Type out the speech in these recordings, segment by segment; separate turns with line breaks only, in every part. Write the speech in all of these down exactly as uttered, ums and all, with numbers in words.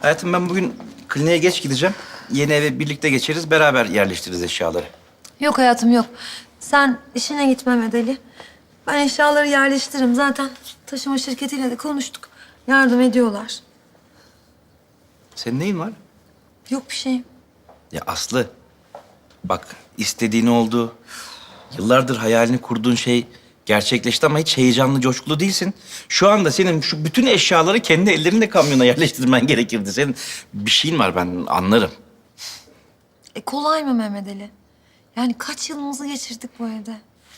Hayatım ben bugün kliniğe geç gideceğim. Yeni eve birlikte geçeriz, beraber yerleştiririz eşyaları.
Yok hayatım yok. Sen işine git Mehmet Ali. Ben eşyaları yerleştiririm. Zaten taşıma şirketiyle de konuştuk. Yardım ediyorlar.
Senin neyin var?
Yok bir şey.
Ya Aslı, bak istediğin oldu. Yıllardır hayalini kurduğun şey gerçekleşti ama hiç heyecanlı, coşkulu değilsin. Şu anda senin şu bütün eşyaları kendi ellerinle kamyona yerleştirmen gerekirdi. Senin bir şeyin var, ben anlarım.
E kolay mı Mehmet Ali? Yani kaç yılımızı geçirdik bu evde.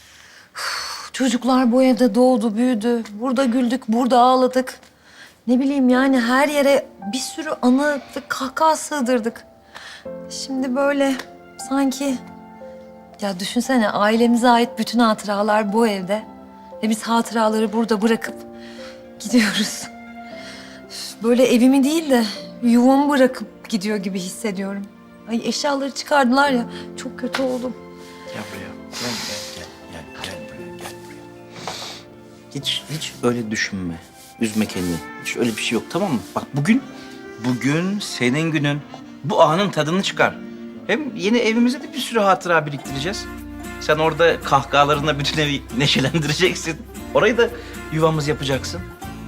Üf, çocuklar bu evde doğdu, büyüdü. Burada güldük, burada ağladık. Ne bileyim yani her yere bir sürü anı ve kahkaha sığdırdık. Şimdi böyle sanki... Ya düşünsene ailemize ait bütün hatıralar bu evde. Ve biz hatıraları burada bırakıp gidiyoruz. Üf, böyle evimi değil de yuvamı bırakıp gidiyor gibi hissediyorum. Ay eşyaları çıkardılar ya, çok kötü oldum.
Gel buraya. Gel, gel, gel, gel, gel buraya, gel buraya. Hiç, hiç öyle düşünme. Üzme kendini. Hiç öyle bir şey yok, tamam mı? Bak bugün, bugün senin günün. Bu anın tadını çıkar. Hem yeni evimize de bir sürü hatıra biriktireceğiz. Sen orada kahkahalarınla bütün evi neşelendireceksin. Orayı da yuvamız yapacaksın.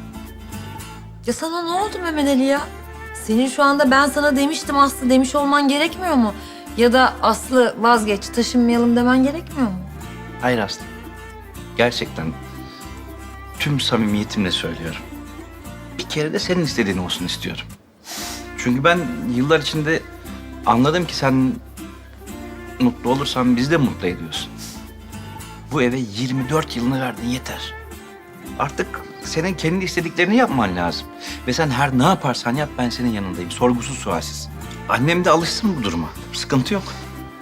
Ya sana ne oldu Mehmet Ali ya? Senin şu anda ben sana demiştim Aslı demiş olman gerekmiyor mu? Ya da Aslı vazgeç taşınmayalım demen gerekmiyor mu?
Hayır Aslı. Gerçekten tüm samimiyetimle söylüyorum. Bir kere de senin istediğin olsun istiyorum. Çünkü ben yıllar içinde anladım ki sen mutlu olursan bizi de mutlu ediyorsun. Bu eve yirmi dört yılını verdin, yeter. Artık senin kendi istediklerini yapman lazım. Ve sen her ne yaparsan yap, ben senin yanındayım. Sorgusuz sualsiz. Annem de alışsın bu duruma. Sıkıntı yok.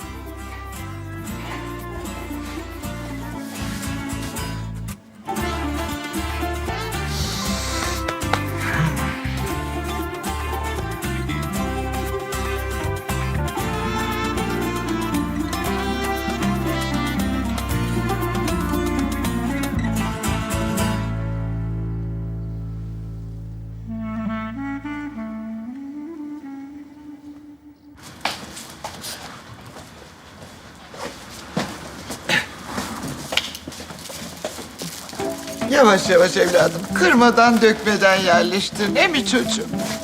Yavaş yavaş evladım. Kırmadan dökmeden yerleştir. Ne mi çocuğum?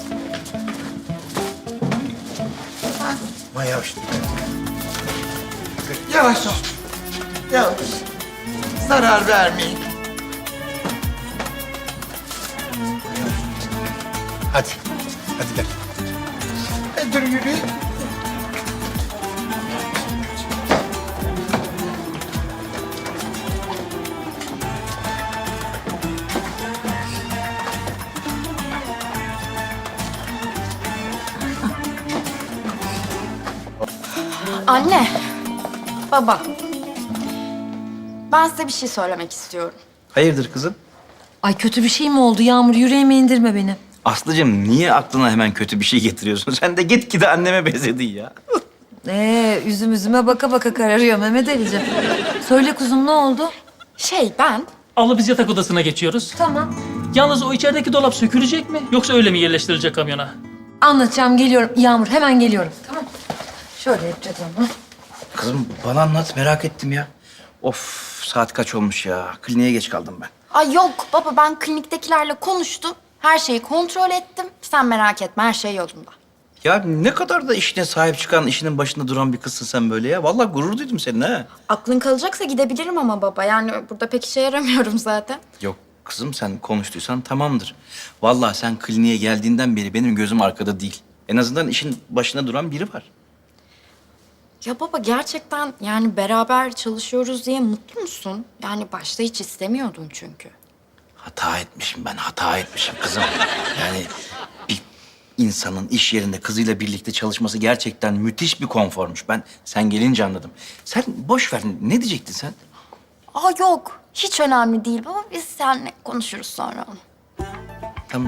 Ama yavaş.
Yavaş ol. Yavaş. Zarar vermeyin.
Hadi. Hadi gel.
E, dur yürüyün.
Anne, baba. Ben size bir şey söylemek istiyorum.
Hayırdır kızım?
Ay kötü bir şey mi oldu Yağmur? Yüreğime indirme beni.
Aslıcığım niye aklına hemen kötü bir şey getiriyorsun? Sen de gitgide anneme benzedin ya.
Ee, üzüm üzüme baka baka kararıyor Mehmet Ali'ciğim. Söyle kuzum ne oldu?
Şey ben,
Abla biz yatak odasına geçiyoruz.
Tamam.
Yalnız o içerideki dolap sökülecek mi yoksa öyle mi yerleştirilecek kamyona?
Anlatacağım geliyorum. Yağmur hemen geliyorum. Tamam. Şöyle yapacağız ama.
Kızım bana anlat, merak ettim ya. Of, saat kaç olmuş ya? Kliniğe geç kaldım ben.
ay yok baba ben kliniktekilerle konuştum. Her şeyi kontrol ettim. Sen merak etme her şey yolunda.
Ya ne kadar da işine sahip çıkan, işinin başında duran bir kızsın sen böyle ya. Vallahi gurur duydum seninle ha.
Aklın kalacaksa gidebilirim ama baba. Yani burada pek işe yaramıyorum zaten.
Yok kızım, sen konuştuysan tamamdır. Vallahi sen kliniğe geldiğinden beri benim gözüm arkada değil. En azından işin başında duran biri var.
Ya baba gerçekten yani beraber çalışıyoruz diye mutlu musun? Yani başta hiç istemiyordun çünkü.
Hata etmişim ben, hata etmişim kızım. Yani bir insanın iş yerinde kızıyla birlikte çalışması gerçekten müthiş bir konformuş. Ben sen gelince anladım. Sen boş ver, ne diyecektin sen?
Aa yok hiç önemli değil baba. Biz seninle konuşuruz sonra onu.
Tamam.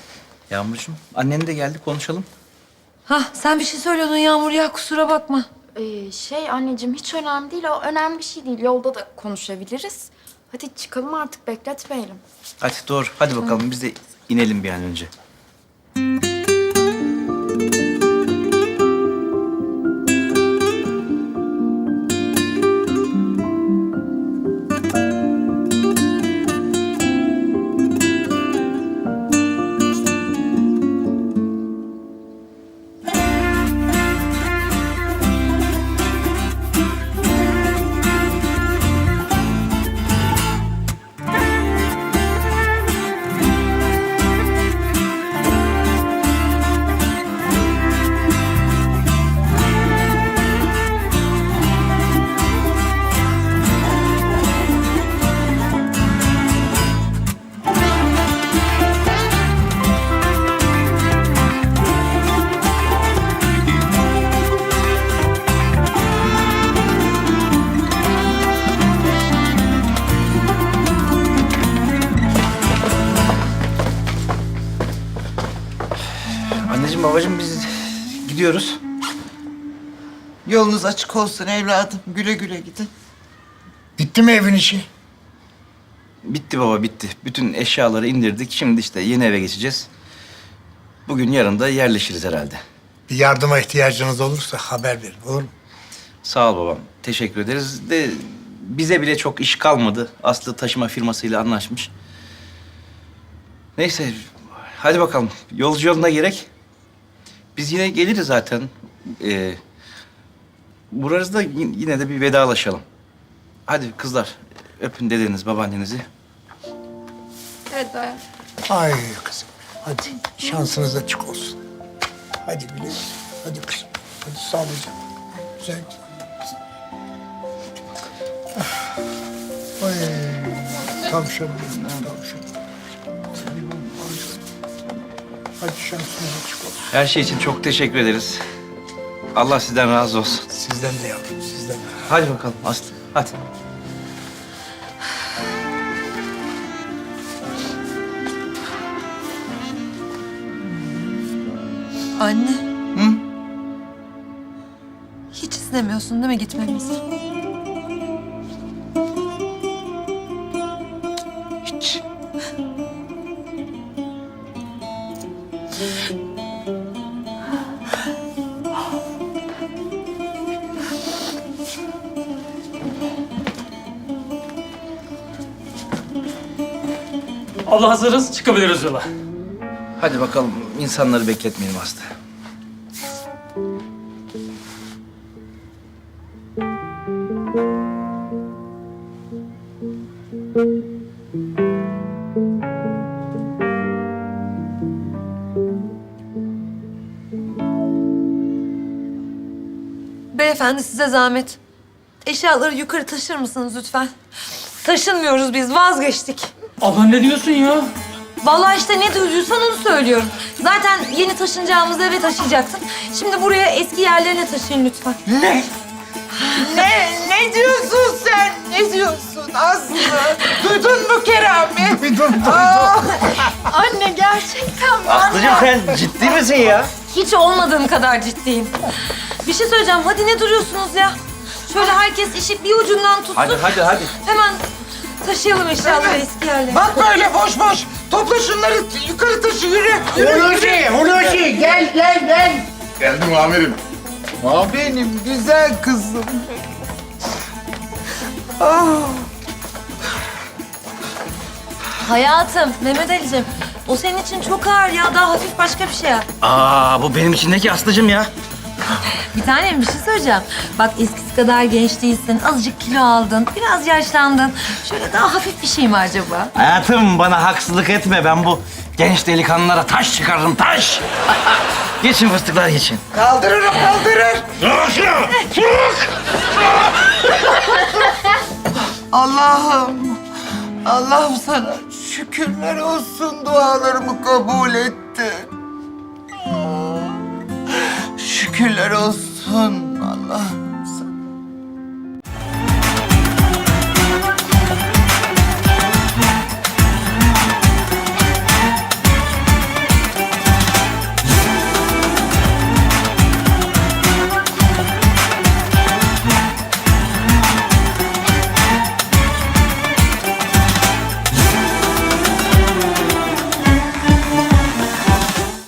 Yağmurcuğum, annen de geldi, konuşalım.
Hah sen bir şey söylüyordun Yağmur ya kusura bakma.
Ee, şey anneciğim hiç önemli değil. O önemli bir şey değil. Yolda da konuşabiliriz. Hadi çıkalım artık bekletmeyelim.
Hadi doğru. Hadi bakalım biz de inelim bir an önce. Anneciğim babacığım biz gidiyoruz.
Yolunuz açık olsun evladım. Güle güle gidin.
Bitti mi evin işi?
Bitti baba bitti. Bütün eşyaları indirdik. Şimdi işte yeni eve geçeceğiz. Bugün yarın da yerleşiriz herhalde.
Bir yardıma ihtiyacınız olursa haber verin, olur mu?
Sağ ol babam. Teşekkür ederiz. De bize bile çok iş kalmadı. Aslı taşıma firmasıyla anlaşmış. Neyse hadi bakalım. Yolcu yoluna gerek. Biz yine geliriz zaten. Ee, Burası yine de bir vedalaşalım. Hadi kızlar öpün dedeniz, babaannenizi.
Evet dayı.
Ay kızım, hadi şansınız açık olsun. Hadi güle güle, hadi kızım. Hadi sağlıcakla. Güzel. Ah. Ay, tavşan benim, tavşan. Hadi şansınız açık olsun.
Her şey için çok teşekkür ederiz. Allah sizden razı olsun.
Sizden de yavrum, sizden de.
Hadi bakalım Aslı, hadi.
Anne.
Hı?
Hiç istemiyorsun değil mi gitmemizi?
Hiç.
Allah hazırız, çıkabiliriz yola.
Hadi bakalım insanları bekletmeyelim Aslı.
Beyefendi size zahmet. Eşyaları yukarı taşır mısınız lütfen? Taşınmıyoruz biz, vazgeçtik.
Abla ne diyorsun ya?
Vallahi işte ne duyduysan onu söylüyorum. Zaten yeni taşınacağımız eve taşıyacaksın. Şimdi buraya eski yerlerine taşıyın lütfen.
Ne? ne? Ne diyorsun sen? Ne diyorsun Aslı? Duydun mu Kerami?
Duydum, duydum.
Aa,
Anne gerçekten mi?
Aslıcığım sen ciddi misin ya?
Hiç olmadığım kadar ciddiyim. Bir şey söyleyeceğim. Hadi ne duruyorsunuz ya? Şöyle herkes işi bir ucundan tutsun.
Hadi hadi hadi.
Hemen taşıyalım eşyaları
Evet.
eski yerlere.
bak böyle boş boş. Topla şunları yukarı taşı yürü. Yürü yürü.
Hulusi, Hulusi gel gel gel.
Geldim amirim.
Benim güzel kızım. Ah.
Hayatım, Mehmet Ali'cim. O senin için çok ağır ya. Daha hafif başka bir şey yap.
Aa bu benim içindeki Aslıcığım ya.
Bir tanem bir şey söyleyeceğim. Bak eskisi kadar genç değilsin. Azıcık kilo aldın. Biraz yaşlandın. Şöyle daha hafif bir şey mi acaba?
Hayatım bana haksızlık etme. Ben bu genç delikanlılara taş çıkarırım taş. Geçin fıstıklar geçin.
Kaldırırım kaldırır. Allah'ım. Allah'ım sana şükürler olsun, dualarımı kabul etti. Şükürler olsun Allah.